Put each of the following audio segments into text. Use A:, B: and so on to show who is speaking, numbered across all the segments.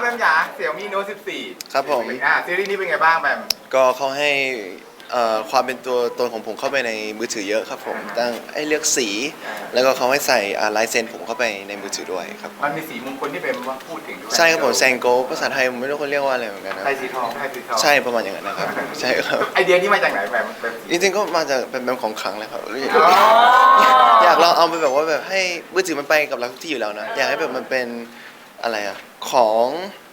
A: มจ๋าเสี่ยวมีโน้ต14
B: ครับผม
A: ซีรีส์นี้เป็นไงบ้างแบม
B: ก็เขาให้ความเป็นตัวตนของผมเข้าไปในมือถือเยอะครับผมตั้งให้เลือกสี แล้วก็เขาให้ใส่ลายเซ็นผมเข้าไปในมือถือด้วยครับ
A: มันมีสีมงคลที่เป็นว่าพูดถึงด้วย
B: ใช่ครับผมแซงโกภาษาไทยผมไม่รู้เขาเรียกว่าอะไรเหมือนกันนะ
A: ไทยสีทองไทยสีทอง
B: ใช่ประมาณอย่างนั้นนะครับใช่ครับ
A: ไอเดียนี้มาจากไหนแบม
B: จริงๆก็มาจากเป็นของขลังเลยครับอยากลองเอาไปแบบว่าแบบให้มือถือมันไปกับเราทุกที่อยู่แล้วนะอยากให้แบบมันเป็นอะไรอะของ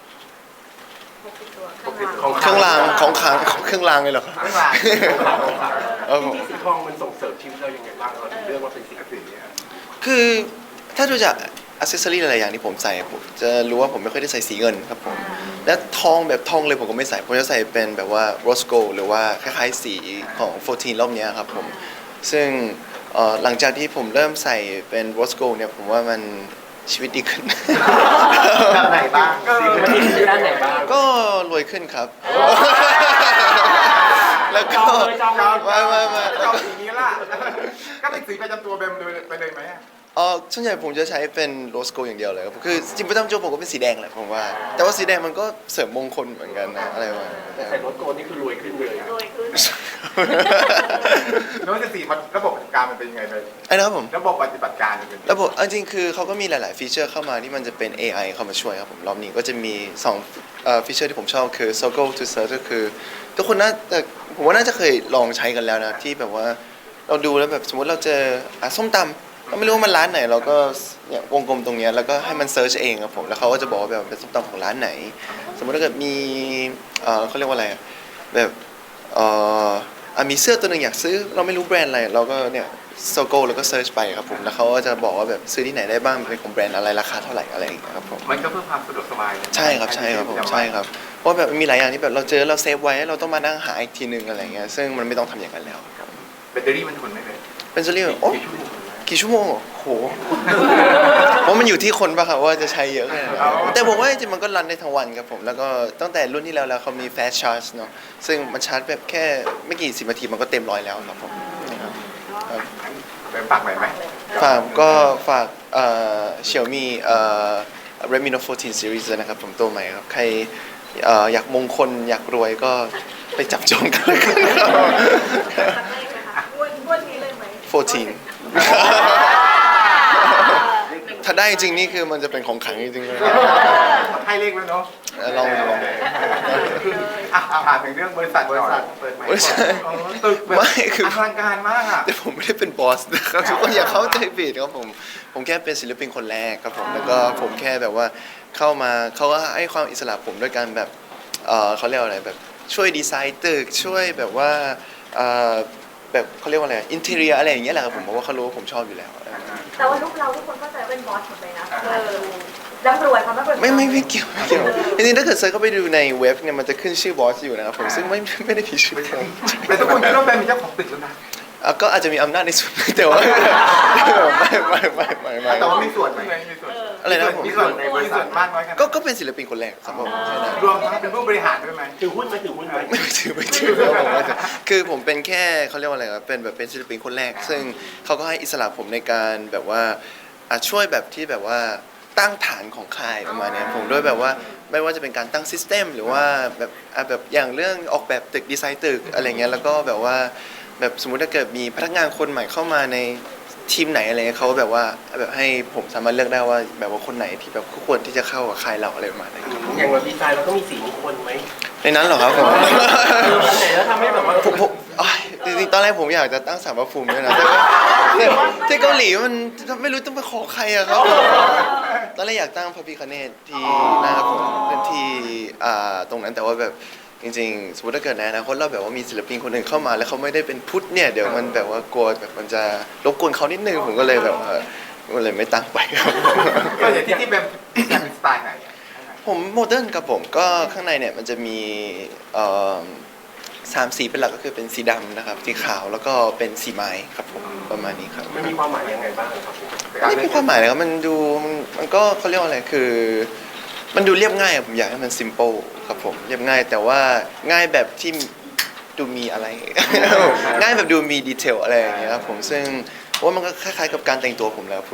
B: เครื่องรางของขลังเครื่องรางเลยเหรอครับ
A: เครื่องราง
C: ที่สีทองมันส่งเสริมชีวิตเรายังไงบ้างเราถึงเลือกว่าเป็นสีนี้
B: คือถ้าดูจากอัซเซสซอรี่หลายๆอย่างที่ผมใส่ผมจะรู้ว่าผมไม่ค่อยได้ใส่สีเงินครับผมและทองแบบทองเลยผมก็ไม่ใส่ผมจะใส่เป็นแบบว่าโรสโกหรือว่าคล้ายๆสีของ14รอบนี้ครับผมซึ่งหลังจากที่ผมเริ่มใส่เป็นโรสโกเนี่ยผมว่ามันชีวิตดีขึ้น
A: ด้านไหนบ้าง
C: มันดีขึ้นด้านไหนบ้าง
B: ก็รวยขึ้นครับแล้วก็
A: ไม่จองสีนี้ล่ะก็เป็นสีประจำตัวแบมไปเลยไหม
B: ส่วนใหญ่ผมจะใช้เป็นโรสโกอย่างเดียวเลยครับคือจริงๆประจำตัวผมก็เป็นสีแดงแหละผมว่าแต่ว่าสีแดงมันก็เสริมมงคลเหมือนกันนะอะไรวะ
C: ใส่โรสโกนี่คือรวยขึ้นเลย
D: รวยขึ้น
A: โน้ต14มันระบบปฏิบัติการมันเป็นยังไงไป
B: ไอ้นะครับผม
A: ระบบปฏิบัติการเป็น
B: ระบบจริงๆคือเขาก็มีหลายๆฟีเจอร์เข้ามาที่มันจะเป็น AI เข้ามาช่วยครับผมรอบนี้ก็จะมี2ฟีเจอร์ที่ผมชอบคือ Circle to Search ก็คือทุกคนน่าจะผมว่าน่าจะเคยลองใช้กันแล้วนะที่แบบว่าเราดูแล้วแบบสมมติเราเจอส้มตำเราไม่รู้ว่ามันร้านไหนเราก็เนี่ยวงกลมตรงนี้แล้วก็ให้มันเซิร์ชเองครับผมแล้วเขาก็จะบอกว่าแบบเป็นส้มตำของร้านไหนสมมติถ้าเกิดมีเขาเรียกว่าอะไรแบบมีเสื้อตัวหนึ่งอยากซื้อเราไม่รู้แบรนด์อะไรเราก็เนี่ยโซโก้แล้วก็เซิร์ชไปครับผมแล้วเขาก็จะบอกว่าแบบซื้อที่ไหนได้บ้างเป็นของแบรนด์อะไรราคาเท่าไหร่อะไรอย่างเงี้ยครับผม
A: มันก็เพื่อความสะดวกสบาย
B: ใช่ครับใช่ครับผมใช่ครับเพราะแบบมีหลายอย่างที่แบบเราเจอเราเซฟไว้เราต้องมานั่งหาอีกทีนึงอะไรเงี้ยซึ่งมันไม่ต้องทำอย่างนั้นแล้วครับ
A: แบตเตอรี่มันทนได้เลย
B: เป็นซีรีส์โอ้กี่ชั่วโมงโหเพราะมันอยู่ที่คนป่ะครับว่าจะใช้เยอะแค่ไหนแต่ผมว่าจริงๆมันก็รันได้ทั้งวันครับผมแล้วก็ตั้งแต่รุ่นที่แล้วเขามี fast charge เนาะซึ่งมันชาร์จแบบแค่ไม่กี่10 นาทีมันก็เต็ม100แล้วครับผม
A: ฝากไหนไหม
B: ฝากXiaomi Redmi Note 14 Series นะครับผมตัวใหม่ครับใครอยากมงคลอยากรวยก็ไปจับจองกันเลยครับ
D: วันนี้เลยไหม
B: 14ถ้าได้จริงนี่คือมันจะเป็นของขลังจริงๆเลย
A: ให้เลขแล้วเนาะ
B: ลอง
A: ถามถึงเรื่องบริษัทเปิดใหม่ตึกแบบอลังการมากอ่ะ
B: แต่ผมไม่ได้เป็นบอสนะครับทุกคนอย่าเข้าใจผิดครับผมแค่เป็นศิลปินคนแรกครับผมแล้วก็ผมแค่แบบว่าเข้ามาเขาก็ให้ความอิสระผมด้วยการแบบเขาเรียกอะไรแบบช่วยดีไซน์ตึกช่วยแบบว่าแบบเขาเรียกว่าอะไรอินเทอร์เนียอะไรอย่างเงี้ยแหละครับผมเพราะว่าเขารู้ว่าผมชอบอยู่แล้ว
D: แต่ว่าลูกเราทุกคนก็จะเป็นบอสหมดเลยนะร่ำรวยความร่ำรวย
B: ไม่เกี่ยวจริงๆถ้าเกิดเซิร์ชเข้าไปดูในเว็บเนี่ยมันจะขึ้นชื่อบอสอยู่นะครับผมซึ่งไม่ได้ผิดชื่อผม
A: แต่ทุกคนคิดว่าแบมเป็นเจ้าของตึกแล้วนะ
B: ก็อาจจะมีอำนาจในส่วนแต่ว่าไม่
A: แต่ว่ามีส่วนไหม
B: อะไรนะผม
A: มีส่วนในบริษัทมากน้อยกัน
B: ก็เป็นศิลปินคนแรกครับผม
A: รวมทั้งเป็นผู้บริหารด้วยไหม
C: ถือหุ้นไหมถือหุ้นไหม
B: ไม่ถือคือผมเป็นแค่เขาเรียกว่าอะไรครับเป็นแบบเป็นศิลปินคนแรกซึ่งเขาก็ให้อิสระผมในการแบบว่าช่วยแบบที่แบบว่าตั้งฐานของค่ายประมาณนี้ผมด้วยแบบว่าไม่ว่าจะเป็นการตั้งซิสเต็มหรือว่าแบบอย่างเรื่องออกแบบตึกดีไซน์ตึกอะไรเงี้ยแล้วก็แบบว่าแบบสมมุติถ้าเกิดมีพนักงานคนใหม่เข้ามาในทีมไหนอะไรเขาแบบว่าแบบให้ผมสามารถเลือกได้ว่าแบบว่าคนไหนที่แบบควรที่จะเข้ากับค่ายเราอะไรประมาณนี้
C: อย่างเราดีไซน์เราก็มีสีมงคลไหม
B: ในนั้นเหรอครับผม
C: ไหนแล้วทำให้แบบว่า
B: ผมจริงๆตอนแรกผมอยากจะตั้งศาลพระภูมิด้วยนะแต่ที่เกาหลีมันไม่รู้ต้องไปขอใครอะครับตอนแรกอยากตั้งพระพิฆเนศที่หน้าผมเป็นที่ตรงนั้นแต่ว่าแบบจริงๆสมมติถ้าเกิดในอนาคตเราแบบว่ามีศิลปินคนหนึ่งเข้ามาแล้วเขาไม่ได้เป็นพุทธเนี่ยเดี๋ยวมันแบบว่ากลัวแบบมันจะรบกวนเขานิดนึงผมก็เลยแบบก็เลยไม่ตั้งไปครับ
A: ก็อย่างที่แบบเป็นสไตล์ไหน
B: ผมโมเดิร์นครับผมก็ข้างในเนี่ยมันจะมี3 สีเป็นหลักก็คือเป็นสีดำนะครับสีขาวแล้วก็เป็นสีไม้ครับผมประมาณนี้ครับ
C: มันมีความหมายยังไงบ้างครับ
B: ไม่มีความหมายเลยครับมันดูมันก็เขาเรียกว่าอะไรคือมันดูเรียบง่ายผมอยากให้มัน simple ครับผมเรียบง่ายแต่ว่าง่ายแบบที่ดูมีอะไร ง่ายแบบดูมีดีเทลอะไรอย่างเงี้ยครับผมซึ่งว่ามันก็คล้ายๆกับการแต่งตัวผมแล้วคือแบบ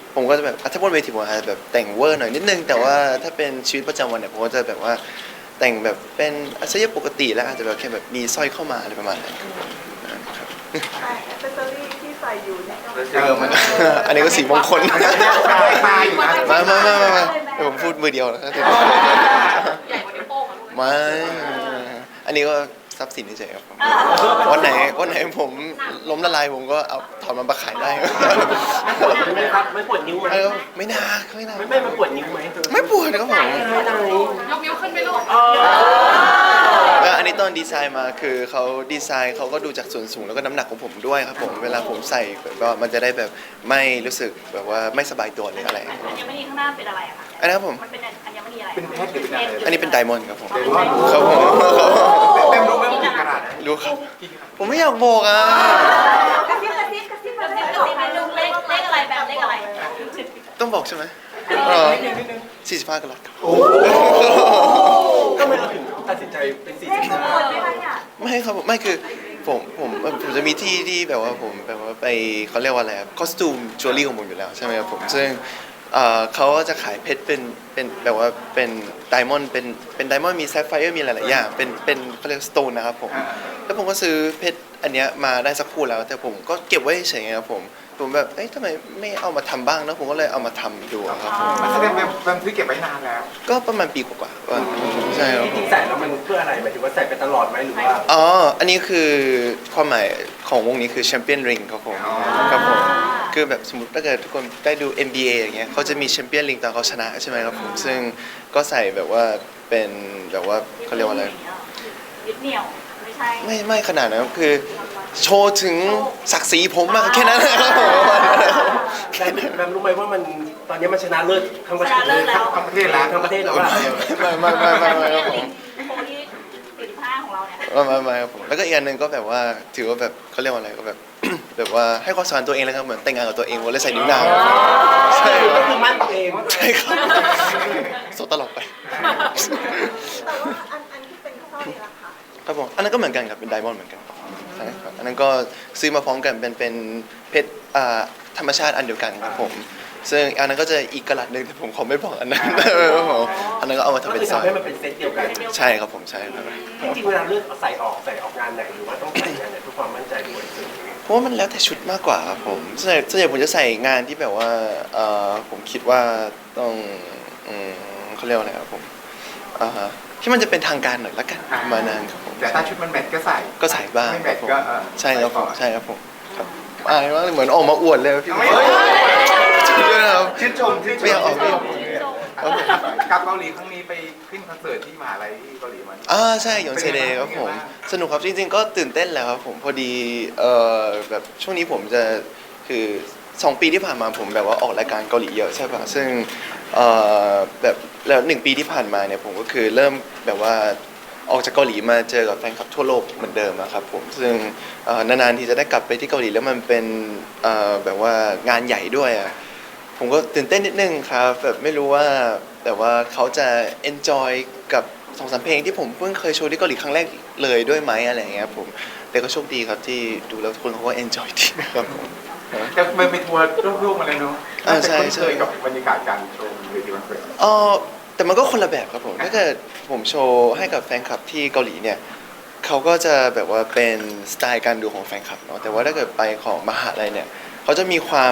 B: ผมก็จะแบบถ้าบนเวทีผมอาจจะแบบแต่งเวอร์หน่อยนิดนึงแต่ว่าถ้าเป็นชีวิตประจำวันเนี่ยผมก็จะแบบว่าแต่งแบบเป็นอาชีพปกติแล้วอาจจะแบบแค่แบบมีสร้อยเข้ามาอะไรประมาณนั้นครับ
D: แอคเซสซอรี่ที่ใส่อยู่เนี่ยก็
A: มัน
B: อันนี้ก็สีมงคล
A: ตายอยู่นะ
B: มาเดี๋ยวผมพูดมือเดียวนะครับ
E: ใหญ่กว่านิ้วโป้งอ่ะลูก
B: ไม่อันนี้ก็ทรัพย์สินเฉยๆครับผมวันไหนผมล้มละลายผมก็เอาถอนมันมาขายได้
C: ไม่ครับไม่ปวดนิ้วไหม
B: เออไม่น่าไม่น่า
C: ไม่มันปวดนิ้วไหม
B: ไม่ปวดครับผม
E: ยกนิ้วขึ้นไปลูก
B: อันนี้ตอนดีไซน์มาคือเขาดีไซน์เขาก็ดูจากส่วนสูงแล้วก็น้ำหนักของผมด้วยครับผมเวลาผมใส่ก็มันจะได้แบบไม่รู้สึกแบบว่าไม่สบายตัวหรืออะไร
E: อัญมณีข้างหน้าเป็นอะไรอะคะ
B: อันนั้นครับผม
E: มันเป็นอัญมณีอะไร
A: เป็นเพชรหรือเป็นอะไร
B: อันนี้เป็นไดมอนด์ครับผม
A: เดี๋ยวว่า
B: ครับผม
A: เต็มรู้ไหมว่ากี่ขนาด
B: รู้ครับผมไม่อยากบอกอ่ะ
D: กระซิบกระซิบกระซิบ
E: กระซิบกระซิบในลูกเลขอะไรแบบเลขอะไร
B: ต้องบอกใช่ไหม45กะรัตครับ
C: ก็ไม่เราถึงตัดสินใจเป็นสี่
D: เลข
C: สิบ
D: มงคลไหมคะเนี่ย
B: ไม่ครับผมไม่คือผมจะมีที่ที่แบบว่าผมแบบว่าไปเขาเรียกว่าอะไรคอสตูมจิวเวลรี่ของผมอยู่แล้วใช่ไหมครับผมซึ่งเขาจะขายเพชรเป็นแบบว่าเป็นไดมอนด์เป็นไดมอนด์มีแซฟไฟร์มีหลายๆอย่างเป็นเขาเรียกสโตนนะครับผมแล้วผมก็ซื้อเพชรอันเนี้ยมาได้สักคู่แล้วแต่ผมก็เก็บไว้เฉยๆครับผมแบบเอ้ยทำไมไม่เอามาทำบ้างนะผมก็เลยเอามาทำดูครับผม
A: มันแสดงแบบซื้อเก็บไว้นานแล้ว
B: ก็ประมาณปีกว่าๆใช่ครับ
C: จ
B: ผ
C: ริ
B: ม
C: งๆใส่แล้วมันเพื่ออะไรหมายถึงว่าใส่ไปตลอดไหมหรือว่า
B: อ๋ออันนี้คือความหมายของวงนี้คือแชมเปี้ยนริงครับผมครับผมคือแบบสมมติถ้าเกิดทุกคนได้ดู NBA อย่างเงี้ยเขาจะมีแชมเปี้ยนริงตอนเขาชนะใช่ไหมครับผมซึ่งก็ใส่แบบว่าเป็นแบบว่าเขาเรียกว่าอะไร
E: ยึดเหนี่ยวไม่ใช่
B: ไม่ขนาดนั้นครับคือโชว์ถึงศักดิ์ศรีผมมากแค่นั้นนะครับผม
C: แบมรู้ไหมว่ามันตอนนี้มันชนะเลิศทั้งประเทศเลย
A: ทั้งประเทศแล้ว
C: ทั้งประเทศแล้วอะ
B: ไม่ครับผม
E: โค้ที่45ของเราเนี่ย
B: ไม่ครับผมแล้วก็อีกอันหนึ่งก็แบบว่าถือว่าแบบเขาเรียกว่าอะไรก็แบบ แบบว่าให้ความสำคัญตัวเองแล้วครับเหมือนแต่งงานกับตัวเองวันเลยใส่นิ้วนางใช่ค
C: ก็
B: รับ
C: คือมั่นตัวเอง
B: ใช่ครับโซตลอดไป
D: แต่ว่าอันที่เป็นข้าวเนี่ยราคา
B: ครับผมอันนั้นก็เหมือนกันครับเป็นไดมอนด์เหมือนกันใช่ครับอันนั้นก็ซื้อมาพร้อมกันเป็นเพชรธรรมชาติอันเดียวกันครับผมซึ่งอันนั้นก็จะอีกกะลัดหนึ่งแต่ผมขอไม่บอกอันนั้นครับผมอันนั้นก็เอามา
C: ก็
B: ทำเป็น
C: คือ
B: สร้อ
C: ทำ
B: ย
C: ให้มันเป็นเซตเดียวกัน
B: ใช่ครับผมใช่ครับ
C: จริงๆเวลาเลือกใส่ออกงานไหนหรือว่าต้องใส่งานไหนเพื่อความมั่นใจด้วย
B: เพราะว่ามันแล้วแต่ชุดมากกว่าครับผมส่วนใหญ่ผมจะใส่งานที่แบบว่าผมคิดว่าต้องเขาเรียกว่าอะไรครับผมที่มันจะเป็นทางการหน่อยละกันประมาณนั้นครับผม
A: แต่ถ้าชุดมันแมทก็ใส่
B: ก็ใส่บ้าง
A: ไม่
B: ค
A: แม
B: รับ
A: ท
B: ผม
A: ก็
B: ใช่ครับผมใช่ครับผมครับอายมากเลยเหมือนออกมาอวดเลยพี่
A: ไม่
B: ด้วยนะครับ
A: ชื่นชม
B: ไม่อยากออกไม่อยากออก
A: ครับผมกลับเกาหลีครั้งนี้ไปขึ้นคอนเสิร์ตที่มหาลัยที่เกาหลีมา
B: ใช่หยองเซเดย์ครับผมสนุกครับจริงๆก็ตื่นเต้นแหล้วครับผมพอดีแบบช่วงนี้ผมจะคือ2 ปีที่ผ่านมาผมแบบว่าออกรายการเกาหลีเยอะใช่ป่ะซึ่งแบบแล้ว1 ปีที่ผ่านมาเนี่ยผมก็คือเริ่มแบบว่าออกจากเกาหลีมาเจอกับแฟนคลับทั่วโลกเหมือนเดิมอะครับผมซึ่งนานๆที่จะได้กลับไปที่เกาหลีแล้วมันเป็นแบบว่างานใหญ่ด้วยอะผมก็ตื่นเต้นนิดนึงครับแบบไม่รู้ว่าแบบว่าเขาจะ enjoy กับ2-3 เพลงที่ผมเพิ่งเคยโชว์ที่เกาหลีครั้งแรกเลยด้วยไหมอะไรอย่างเงี้ยผมแต่ก็โชคดีครับที่ดูแล้วทุกคนเขาก็ enjoy ดีนะครับผม
A: จะไปทัวร์ร่วมๆมาเลยเนาะ
B: ใช่
A: เคยกับบรรยากาศการโชว์เวทีคอนเสิร์ต
B: แต่มันก็คนละแบบครับผมถ้าเกิดผมโชว์ให้กับแฟนคลับที่เกาหลีเนี่ยเขาก็จะแบบว่าเป็นสไตล์การดูของแฟนคลับเนาะแต่ว่าถ้าเกิดไปของมหาลัยเนี่ยเขาจะมีความ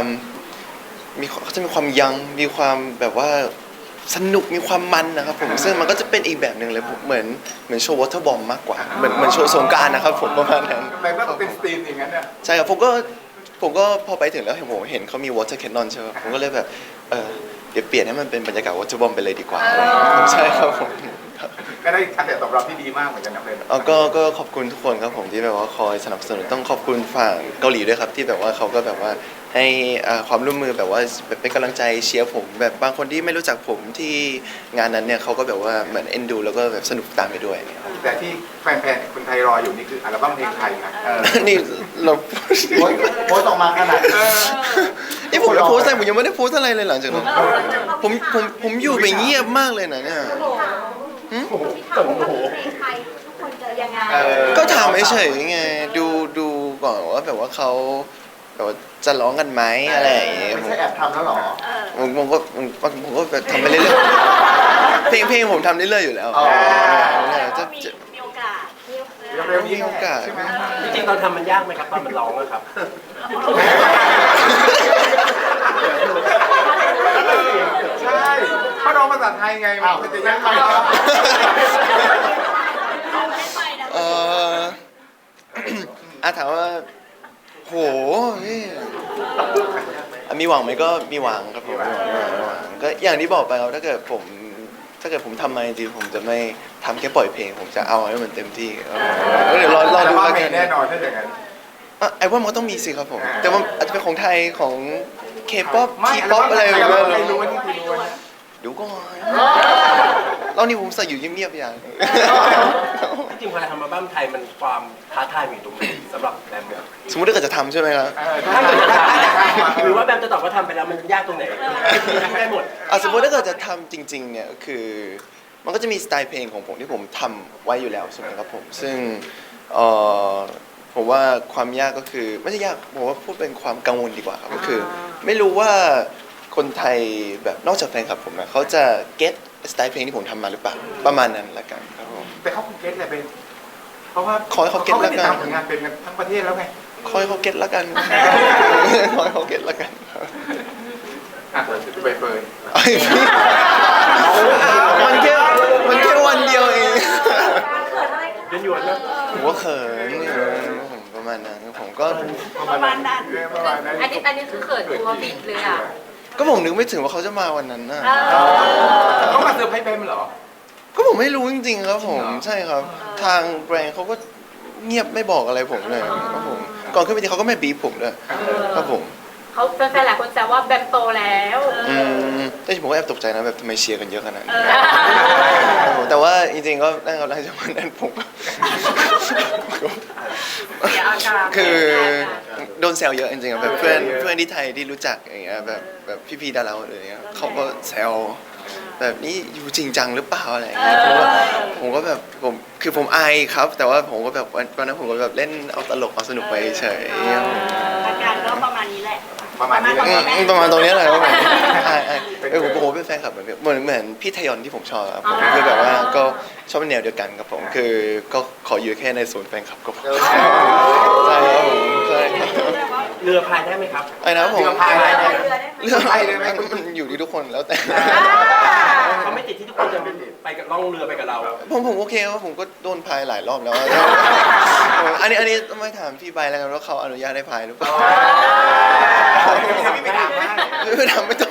B: ยังมีความแบบว่าสนุกมีความมันนะครับผมซึ่งมันก็จะเป็นอีกแบบหนึ่งเลยผมเหมือนโชว์วอเตอร์บอมมากกว่าเหมือนโชว์สงกรานต์นะครับผมประมาณนั้น
A: ทำไมว่าเป็นสตรีมอย่างนั้นเนี่ย
B: ใช่ครับผมก็พอไปถึงแล้วผมเห็นเขามี water cannon ใช่ไหมผมก็เลยแบบเดี๋ยวเปลี่ยนให้มันเป็นบรรยากาศ water bomb ไปเลยดีกว่าใช่ครับผมครับ
A: ก็ได้กระแสตอบรับที่ดีมากเหมือนกันนะเพื่อน
B: ก็ขอบคุณทุกคนครับผมที่แบบว่าคอยสนับสนุนต้องขอบคุณฝั่งเกาหลีด้วยครับที่แบบว่าเขาก็แบบว่าให้ความร่วมมือแบบว่าเป็นกำลังใจเชียร์ผมแบบบางคนที่ไม่รู้จักผมที่งานนั้นเนี่ยเขาก็แบบว่าเหมือนเอ็นดูแล้วก็แบบสนุกตามไปด้วยครับ
A: แต่ที่แฟนๆคนไทยรออยู่นี่คืออัลบั้มเพลงไทยนะ
B: นี่เรา
A: โพสต์ออกมาขนาด
B: นี่ผมจะโพสต์อะไรผมยังไม่ได้โพสต์อะไรเลยหลังจากนั้นผมอยู่ไปเงียบมากเลยนะเนี่ย
D: ที่ถามว่าเพลงไทยทุกคนจะยังไง
B: ก็ถามเฉยๆไงดูก่อนว่าแบบว่าเขาแบบว่าจะร้องกันไหมอะไรอย่างเงี้ย
A: ไม่ใช่แอบทำแล้วหรอ
B: ผมก็แบบทำไปเรื่อยๆเพลงผมทำเรื่อยๆอยู่แล้ว
E: แต่
B: จะ
E: ว่ามีโอกาส
B: มีโอกาส
A: ใช่ไหม
C: จริงๆตอนทำมันยากไหมครับตอนมันร้องอะครับ
A: ใช่เพราะน้องภาษาไทยไงมันจะยากไป
B: เออ ถามว่าโหพี่มีหวังไหมก็มีหวังครับผมมีหวังก็อย่างที่บอกไปครับถ้าเกิดผมทำมาจริงๆผมจะไม่ทำแค่ปล่อยเพลง ผมจะเอาให้มันเต็มที่เดี๋ยวรอดู
A: แต่
B: แล้ว
A: ว่า
B: กั
A: มี
B: น
A: แน่นอนถ้าอย่างนั้น
B: ไอ้ว่ามันก็ต้องมีสิครับผม แต่ว่าอาจจะเป็นของไทยของเคป๊อป
A: ไม่
B: ทีป๊อปอะไรแบบ
A: ไม่
B: นี้
A: รู้ว่านี่คือรู้ว่า
B: ดูก่อนรอบนี้ผมใส่อยู่เงียบๆอย่าง
C: จริงๆเวลาทำอัลบั้มไทยมันความท้าทายมีตรงไหนสำหรับแบมเนี่ย
B: สมมติถ้าเกิดจะทำใช่ไหมครับ
C: ถ้าเกิดจะทำหรือว่าแบมจะตอบว่าทำไปแล้วมันยากตรงไหนได้หมด
B: สมมติถ้าเกิดจะทำจริงๆเนี่ยคือมันก็จะมีสไตล์เพลงของผมที่ผมทำไว้อยู่แล้วใช่ไหมครับผมซึ่งผมว่าความยากก็คือไม่ใช่ยากผมว่าพูดเป็นความกังวลดีกว่าครับก็คือ ไม่รู้ว่าคนไทยแบบนอกจากแฟนคลับผมนะเขาจะเก็ตสไตล์เพลงที่ผมทำมาหรือเปล่าประมาณนั้นละกันครับผม
A: แต่เขาคงเก็ตแหละเป็นเพราะว่า
B: ขอให้เขาเก็ตแล้วกัน
A: ติดตามผลงานเป็นกันทั้งประเทศแล้วไง
B: คอยเขาเก็ตละกันคอยเขาเก็ตละกัน
A: ไปเปิด
B: มันแค่วันเดียวเอง
C: หยวนๆนะ
B: ผมก็เขินผมประมาณนั้นผมก็
E: ประมาณนั้น
D: อันนี้คือเขินตัวบิดเลยอ่ะ
B: ก็ผมนึกไม่ถึงว่าเขาจะมาวันนั้นน่ะ
A: เขามาเซอร์ไพรส์เบมเหรอ
B: ก็ผมไม่รู้จริงๆครับผมใช่ครับ ทางแบรนด์เขาก็เงียบไม่บอกอะไรผมเลยครับผมก่อนขึ้นไปทีเขาก็ไม่บีบผมด้วยครับผม
D: เขาแฟนๆหลายคนแซวว่าแบมโตแล้ว
B: แต่ผมก็แอบตกใจนะแบบทำไมเชียร์กันเยอะขนาดนี้ครับผมแต่ว่าจริงๆก็ได้ครับหลังจากวันนั้นผมก็
D: เสียอาการ
B: คือโดนแซวเยอะจริงๆอะแบบเพื่อนที่ไทยที่รู้จักอย่างเงี้ยแบบพี่ๆดาราอะไรอย่างเงี้ยเขาก็แซวแบบนี้อยู่จริงจังหรือเปล่าอะไรอย่างเงี้ยผมก็แบบผมอายครับ แต่ว่าผมก็แบบวันนั้นผมก็แบบเล่นเอาตลกเอาสนุกไปเฉย
E: อาการก็ประมาณนี้แหละ
A: ประมาณนี้แหละ
B: ประมาณตรงนี้แหละครับผมผมเป็นแฟนคลับเหมือนพี่ทยอนที่ผมชอบครับผมคือแบบว่าก็ชอบเป็นแนวเดียวกันครับผมคือก็ขออยู่แค่ในศูนย์แฟนคลับก็พอใช่ครับผมใช่ครับ
C: เรือพายได้ไหมครับ
B: ไอ้นะผม
A: เรือพายได้ไหม
B: เรื่องอะไรเลยมันอยู่ที่ทุกคนแล้วแต่
C: เขาไม่ติดที่ทุกคนจะไปกับล่องเรือไปกับเรา
B: ผมโอเคครับผมก็โดนพายหลายรอบแล้วอันนี้ต้องไม่ถามพี่ใบแล้วกันว่าเขาอนุญาตให้พายหรือเปล่า
A: พี่ไม่ถามให้
B: ไม่ทำไม่ต้อง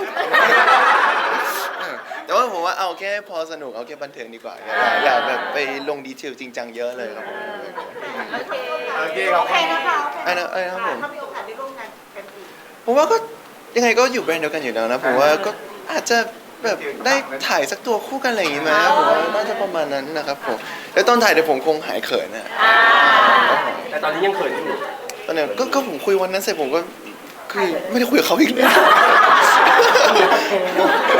B: แต่ว่าผมว่าเอาแค่พอสนุกเอาแค่บันเทิงดีกว่าอย่าแบบไปลงดีเทลจริงจังเยอะเลยครับผม
A: โอเคขอบคุณ
B: ไอ้นะครับผม
D: ถ้ามีโอกาสได้ร่วมงานกันอีก
B: ผมว่าก็ยังไงก็อยู่แบรนด์เดียวกันอยู่แล้วนะผมว่าก็อาจจะแบบได้ถ่ายสักตัวคู่กันอะไรอย่างงี้ไหมผมว่าน่าจะประมาณนั้นนะครับผมแล้วตอนถ่ายเดี๋ยวผมคงหายเขินนะ
C: แต่ตอนนี้ยังเขินอยู่
B: ตอนนี้ก็ผมคุยวันนั้นเสร็จผมก็คือไม่ได้คุยกับเขาอีกเลย